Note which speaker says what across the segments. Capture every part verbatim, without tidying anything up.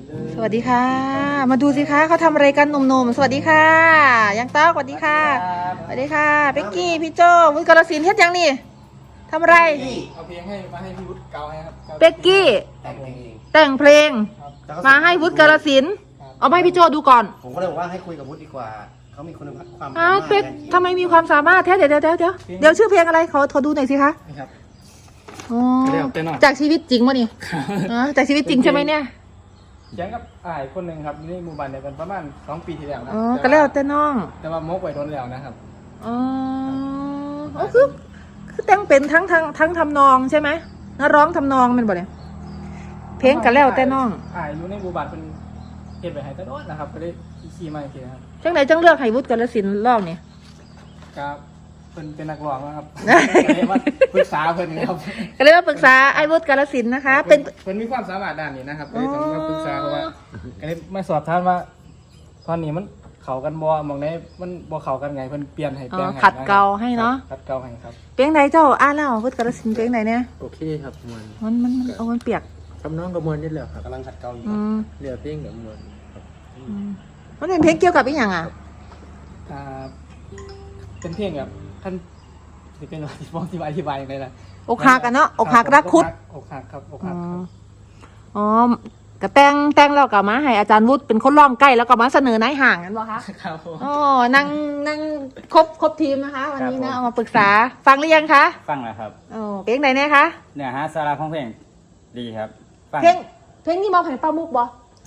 Speaker 1: สวัสดีค่ะมาดูสิคะเขาทำอะไรกันหนุ่มๆสวัสดีค่ะยังต๊อกสวัสดีค่ะสวัสดีค่ะเป็กกี้พี่โจวุฒิกรศิลป์เฮ็ดยังนี่ทำอะไร
Speaker 2: เอาเพลงให้มาให้พี่วุฒิเกาให้ครับ
Speaker 1: เป็กกี้แต่งเพลงมาให้วุฒิกรศิลป์เอาไปให้พี่โจดูก่อน
Speaker 3: ผมก็เลยบอกว่าให้คุยกับวุฒิดีกว่าเขามีคุณภาพความ
Speaker 1: อ้าวเป็กทำไมมีความสามารถแท้เดี๋ยวเดี๋ยวเดี๋ยวเดี๋ยวเดี๋ยวชื่อเพลงอะไรขอขอดูหน่อยสิคะ
Speaker 2: ครับ
Speaker 1: อ๋อจากชีวิตจริงวะนี่อ๋อจากชีวิตจริงใช่ไหมเนี่ย
Speaker 2: เขียนกับอ่ายคนหนึ่งครับนี่หมู่บ้านเดียวกันประมาณสองปีที่แล้วนะ
Speaker 1: อ๋อก็แล้วแต่น้อง
Speaker 2: แต่ว่ามกไว้โดนแล้วนะครับ
Speaker 1: อ๋ออ๋อคือคือแต่งเป็นทั้งทั้งทั้งทำนองใช่ไหมนักร้องทำนองมันบ่เนี่ยเพลงก็แล้วแต่น้อง
Speaker 2: อ่ายอยู่ในหมู่บ้านเป็นเฮ็ดไปให้ตลอดนะครับก็ได้ขี่มาอีกทีนะครับ
Speaker 1: จังไหนจังเลือกให้วุฒิกรศิลป์ร้องเนี่ย
Speaker 2: ครับเป็นเป็นนักร้องนะครับก็เลยมาปรึกษาเพิ่นครับ
Speaker 1: ก็เลยมาปรึกษาไอ้วุฒิกรศิลป์นะคะเป็น
Speaker 2: เพิ่นมีความสามารถด้านนี้นะครับก็เลยต้องมาปรึกษาเพราะว่าก็เลยมาสอบถามว่าตอนนี้มันเข้ากันบ่มองไหนมันบ่เข้ากันไงเพิ่นเปลี่ยนให้แปลงให้
Speaker 1: ขัดเกลาให้เนาะ
Speaker 2: ขัดเกลาให้ครับ
Speaker 1: เพลงไหนเจ้าอ่านแล้ววุฒิกรศิลป์เพลงไหนเนี่ย
Speaker 4: โอเคครับมวล
Speaker 1: มันมันมันเอามันเปียก
Speaker 4: ทำน้องกับมวลนี่แหละครับ
Speaker 3: กำลังขัดเกลาอยู่
Speaker 4: เรือเพลงกับมวลครับ
Speaker 1: มันเป็นเพลงเกี่ยวกับอีหยังอ่ะ
Speaker 2: อ่าเป็นเพลงแบบท่านที่เป็นอธิบายที่อธิบายอย่างไรล่ะ
Speaker 1: อกหักกันเนาะอกหักรักคุด
Speaker 2: อกหักครับอกหัก
Speaker 1: อ๋อกระแตงแตงแล้วก็มาให้อาจารย์วุฒิเป็นคนร้องใกล้แล้วก็มาเสนอนายห่างกันบ่คะ
Speaker 2: ครับ
Speaker 1: อ๋อนั่งนั่งครบครบทีมนะคะวันนี้นะเอามาปรึกษาฟังหรือยังคะ
Speaker 5: ฟังแล้วครับ
Speaker 1: อ๋อเพลงไหนเนี่ยคะ
Speaker 5: เนื้อหาสาระของเพลงดีครับ
Speaker 1: เพลงเพลงนี้มองผ่านป้ามุกบ่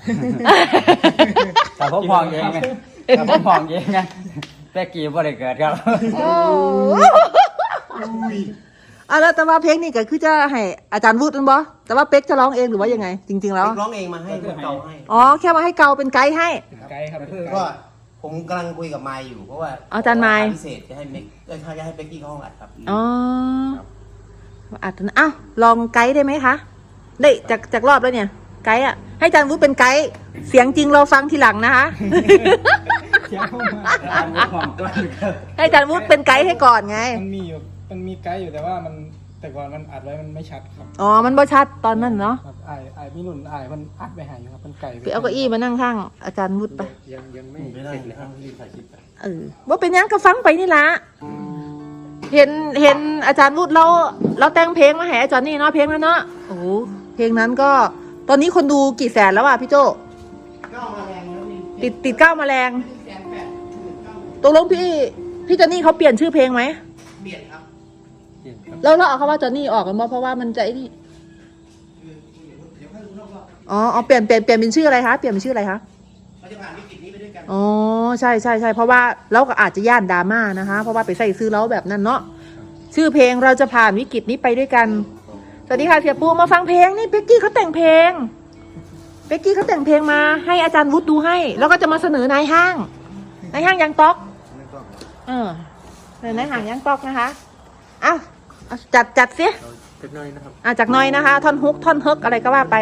Speaker 5: แต่ผมมองเองไงแต่ผมมองเองไงแต่กี่บ่ได้เกิดครับ
Speaker 1: อ่ะแล้วแต่ว่าเพลงนี้ก็คือจะให้อาจารย์วุฒินั่นบ่แต่ว่าเป๊กจะร้องเองหรือว่ายังไงจริงๆแล้ว
Speaker 3: ร้องเองมาให้เกาให้
Speaker 1: อ๋อแค่มาให้เกาเป็นไกด์ให้
Speaker 2: ไกด์ครับ
Speaker 3: ก็ผมกำลังคุยกับไมค์อยู่เพราะว่า
Speaker 1: อาจารย์ไมค์
Speaker 3: พิเศษจะให้เมกจะให้เป็กกี้เข้าห้องอัดครับ
Speaker 1: อ๋ออัดนะอ้าวลองไกด์ได้ไหมคะได้จากจากรอบแล้วเนี่ยไกด์อ่ะให้อาจารย์วุฒิเป็นไกด์เสียงจริงเราฟังทีหลังนะคะให้อาจารย์วุฒิเป็นไกด์ให้ก่อนไง
Speaker 2: มันมีอยู่มันมีไกด์อยู่แต่ว่ามันแต่ก่อนมันอัดไว้มันไม่ชัดครับ
Speaker 1: อ๋อมันบ่ชัดตอนนั้นเนาะ
Speaker 2: ไอ้ไอ้พี่หนุ่นไอ้มันอัดไปหายอยู่ครับมันไก่
Speaker 1: ไปเอาเก้าอี้มานั่งข้างอาจารย์วุฒิไป
Speaker 4: ยังยังไม่
Speaker 3: ไม่ได้เลยครับรีบถ่ายคลิปไป
Speaker 1: เออว่าเป็นยังก็ฟังไปนี่ละเห็นเห็นอาจารย์วุฒิเราเราแต่งเพลงมาให้อาจารย์นี่เนาะเพลงนั้นเนาะโอ้เพลงนั้นก็ตอนนี้คนดูกี่แสนแล้วอ่ะพี่โจ
Speaker 3: ก้าวมาแรงแล้ว
Speaker 1: ติดติดก้าวมาแรงตกลงพี่พี่จอนนี่เขาเปลี่ยนชื่อเพลงไหม
Speaker 3: เปลี่ยนครับ
Speaker 1: แล้วเราเอาคำว่าจอนนี่ออกกันเพราะว่ามันจะไอ้นี่อ๋ออ๋อเปลี่ยนเปลี่ยนเปลี่ยนเป็นชื่ออะไรคะเปลี่ยนเป็นชื่ออะไรคะ
Speaker 3: เราจะผ่านวิกฤตนี้ไปด้วยกัน
Speaker 1: อ๋อใช่ใช่ใช่เพราะว่าเราก็อาจจะย่านดราม่านะคะเพราะว่าไปใส่ซื้อแล้วแบบนั้นเนาะชื่อเพลงเราจะผ่านวิกฤตนี้ไปด้วยกันสวัสดีค่ะเสียปูมาฟังเพลงนี่เป็กกี้เขาแต่งเพลงเป็กกี้เขาแต่งเพลงมาให้อาจารย์วุฒิดูให้แล้วก็จะมาเสนอนายห้างนายห้างยังต๊อกเออเสนอนายห้างยังต๊อกนะคะอ้าวจัดจัดสิ
Speaker 4: จากน้อยนะครับ
Speaker 1: อ่ะจากน้อยนะคะท่อนฮุกท่อนเฮิกอะไรก็ว่าไป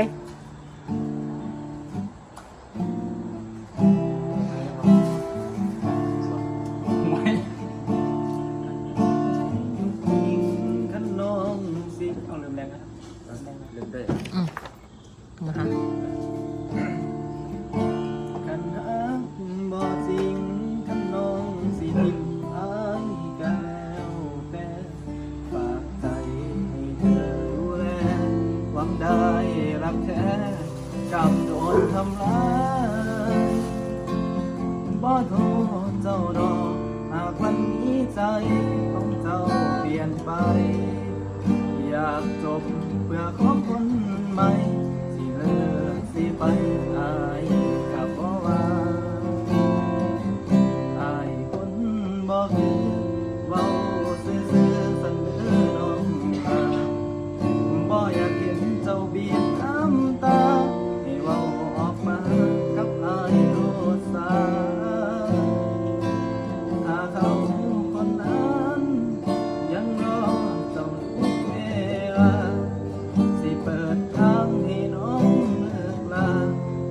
Speaker 1: นะคะ
Speaker 2: ขันหักบ่จริงขันน้องสิทิมอายกันแล้วแต่ฝากใจให้เธอดูแลหวังได้รักแท้กับโดนทำร้ายบ่โทษเจ้าดอกหากวันนี้ใจของเจ้าเปลี่ยนไปอยากจบเพื่อขอคนใหม่สิไปอายกับบ่ว่าอายคนบ่คือเว้าซื่อๆเสนอน้องตาบ่อยากเห็นเจ้าเบียดน้ำตาให้เว้าออกมากับอายโลดสาถ้าเขาคนนั้นยังรอเจ้าเวลาสิเปิดทางให้น้อง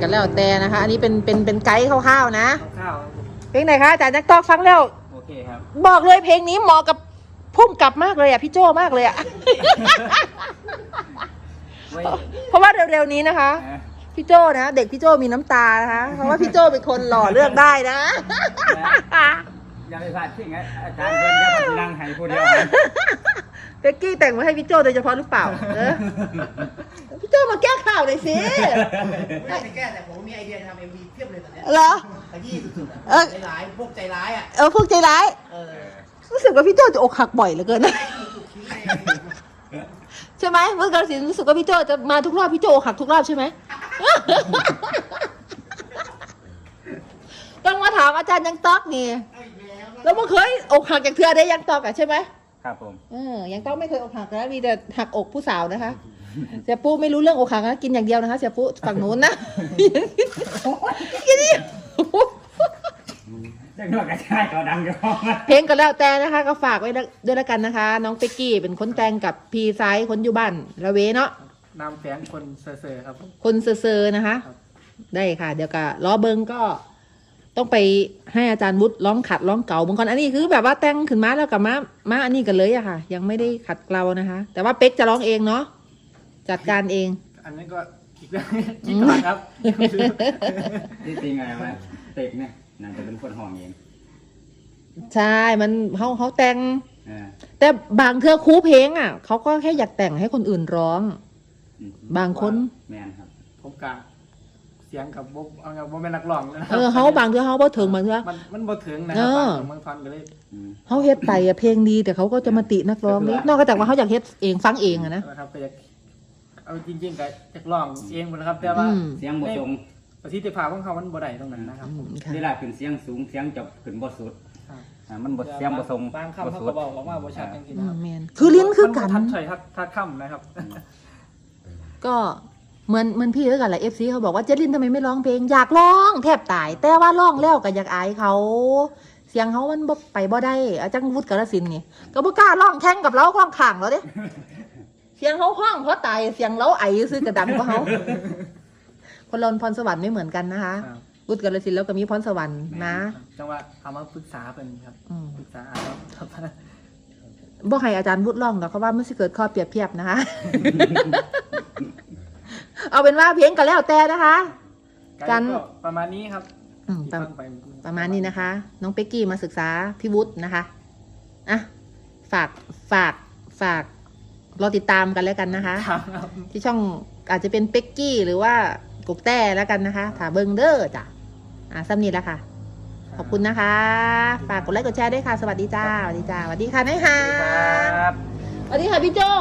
Speaker 1: แล้วแต่นะคะ อันนี้เป็นเป็นเป็นไกด์คร่าวๆนะ
Speaker 2: ข้าว
Speaker 1: เพลงไหนคะอาจารย์นักตอกฟังแล้ว
Speaker 5: โอเคครับ
Speaker 1: บอกเลยเพลงนี้เหมาะกับพุ่มกลับมากเลยอ่ะพี่โจมากเลยอ่ะ
Speaker 5: ไว้
Speaker 1: เพราะว่าเร็วๆนี้นะคะ
Speaker 5: นะ
Speaker 1: พี่โจนะเด็กพี่โจมีน้ำตานะคะ เพราะว่าพี่โจเป็นคนหล่อเลือกได้นะ
Speaker 5: อย่าไปพลาดทิ้งนะอาจารย์เพิ่นจะมานั่งให้ผู้เดียว
Speaker 1: เป๊กกี้แต่งมาให้พี่โจโดยเฉพาะหรือเปล่าเออพี่โจมาแก้ข่าวหน่อยสิ
Speaker 3: ไม่ได้ไปแก้แต่ผมมีไอเดียทำเอ็มวีเพียบเลยตอนเนี้ย
Speaker 1: เหรอ
Speaker 3: ขยี้สุดๆอะ
Speaker 1: เออ
Speaker 3: ใจร้ายพวกใจร้ายอ่ะ
Speaker 1: เออพวกใจร้าย
Speaker 3: เออ
Speaker 1: รู้สึกว่าพี่โจจะอกหักบ่อยเหลือเกินนะ
Speaker 3: ถูกทิ้งใน
Speaker 1: ใช่ไหมเมื่อกาลสินธุ์รู้สึกว่าพี่โจจะมาทุกรอบพี่โจอกหักทุกรอบใช่ไหม ต้องมาถามอาจารย์ยังต๊อกนี่แล้วมันเคยอกหักจากเธอได้ยังต๊อกอะใช่ไหม
Speaker 5: ครับผม
Speaker 1: เออยังต๊อกไม่เคยอกหักนะมีแต่หักอกผู้สาวนะคะ เสียปุ๊ไม่รู้เรื่องอกหักนะกินอย่างเดียวนะคะเสียปุ๊ฝั่งนู้นนะ กินนี่
Speaker 5: จังหวะกระชายก็ดังอยู่
Speaker 1: เพลงก็แล้วแต่นะคะ ก็ฝากไว้ด้วยแล้วกันนะคะ น้องเป็กกี้เป็นคนแต่งกับพีไซส์คนอยู่บ้านละเวเนาะ
Speaker 2: นำแฝงคนเซ่อๆครับผม
Speaker 1: คนเซอร์ๆนะคะ
Speaker 2: ครับ ได้
Speaker 1: ได้ค่ะ เดี๋ยวก็ล้อเบิงก็ต้องไปให้อาจารย์วุฒิร้องขัดร้องเก่าบางคนอันนี้คือแบบว่าแต่งขึ้นมาแล้วกับมามาอันนี้กันเลยอะค่ะ ยังไม่ได้ขัดเกลานะคะ แต่ว่าเป๊กจะร้องเองเนาะจัดการเอง
Speaker 2: อันนี้ก็อีกเรื่องคิดก่อนครับ
Speaker 5: ที่จริงอะไรวะเต็กเนี่ยน่าจะเป็นคนห้องเอง
Speaker 1: ใช่มันเขาเขาแต่ง
Speaker 5: เออ
Speaker 1: แต่บางเทื่อครูเพลงอ่ะเขาก็แค่อยากแต่งให้คนอื่นร้อง
Speaker 5: อืม
Speaker 1: บางคน
Speaker 5: แมนครับ
Speaker 2: ผมกะเสียงกับบ๊บเอากับบ๊บเป็นนักร้องนะครั
Speaker 1: เออเขาบางเทื่อเขาบ่ถึงบางเทื่อ
Speaker 2: มันมันบ่ถึงนะครับ
Speaker 1: เออ
Speaker 2: บางบางท่อนก็เลย
Speaker 5: อืม
Speaker 1: เขาเฮ็ดไปอะเพลงดีแต่เขาก็จะมาตินักร้องนี่นอกจากว่าเขาอยากเฮ็ดเองฟังเองอะนะ
Speaker 2: นะครับก็อยากเอาจริงๆก็อยากร้องเองหมดนะครับ แต่ว่า
Speaker 1: อืม
Speaker 5: เสียงบ่ทรง
Speaker 2: ประสิทธิภาพของเขามันบ่ได้ตรงนั้นนะครับ
Speaker 1: อืมค่ะ
Speaker 5: เวลาขึ้นเสียงสูงเสียงจะขึ้นบ่สุด
Speaker 2: ครับ
Speaker 5: อ่ามันบ่เสียงบ่ทรง
Speaker 2: บางคำ
Speaker 5: บ่
Speaker 2: เขา
Speaker 5: สุ
Speaker 2: ก็
Speaker 5: ด
Speaker 2: บอกออกมาบ่ชัดจริงๆ
Speaker 1: อื
Speaker 2: นะค
Speaker 1: ม
Speaker 2: รับ
Speaker 1: แมนคือลิ้นคือกัน
Speaker 2: มัทัดถอยทัดทัดคำนะครับ
Speaker 1: ก็เหมือนเหมือนพี่ด้วยกันแหละเอฟซีเขาบอกว่าเจลินทำไมไม่ร้องเพลงอยากร้องแทบตาย แต่ว่าร้องแล้วก็อยากอายเขา เสียงเขามันบ่ไปบ่ได้อาจารย์วุฒิกาฬสินธุ์นี่ก็บ่กล้าร้องแข่งกับเราร้องข้างเราเด้เสียงเขาห้องเพราะตายเสียงเราไอซื้อกระดังกว่าเขาคนเราพรสวรรค์ไม่เหมือนกันนะคะ
Speaker 2: ครับ
Speaker 1: วุฒิกาฬสินธุ์แล้วก็มีพรสวรรค์นะ
Speaker 2: จังว่าเอามาปรึกษาเป็นครับ
Speaker 1: อืม
Speaker 2: ปรึกษาครับครับ
Speaker 1: บ่ให้อาจารย์วุฒิร้องหรอกเพราะว่ามันสิเกิดข้อเปรียบเทียบนะคะ เอาเป็นว่าเพลงก็แล้วแต่นะคะ กัน
Speaker 2: ก็ประมาณนี้ครับ
Speaker 1: อืม
Speaker 2: ที่
Speaker 1: ประ
Speaker 2: ฟังไป
Speaker 1: ประมาณนี้นะคะ น้องเป็กกี้มาศึกษาพี่วุฒินะคะอ่ะฝากฝากฝากรอติดตามกันแล้วกันนะคะ
Speaker 2: ครับ
Speaker 1: ที่ช่องอาจจะเป็นเป็กกี้หรือว่ากกแต้แล้วกันนะคะถาเบิงเดอร์จ้ะอ่ะซ้ำนี้แล้วค่ะ ขอบคุณนะคะ ฝากกดไลค์กดแชร์ด้วยค่ะ สวัสดีจ้า สวัสดีจ้า สวัสดีค่ะนายฮา
Speaker 5: ครับ
Speaker 1: สวัสดีค่ะพี่โจ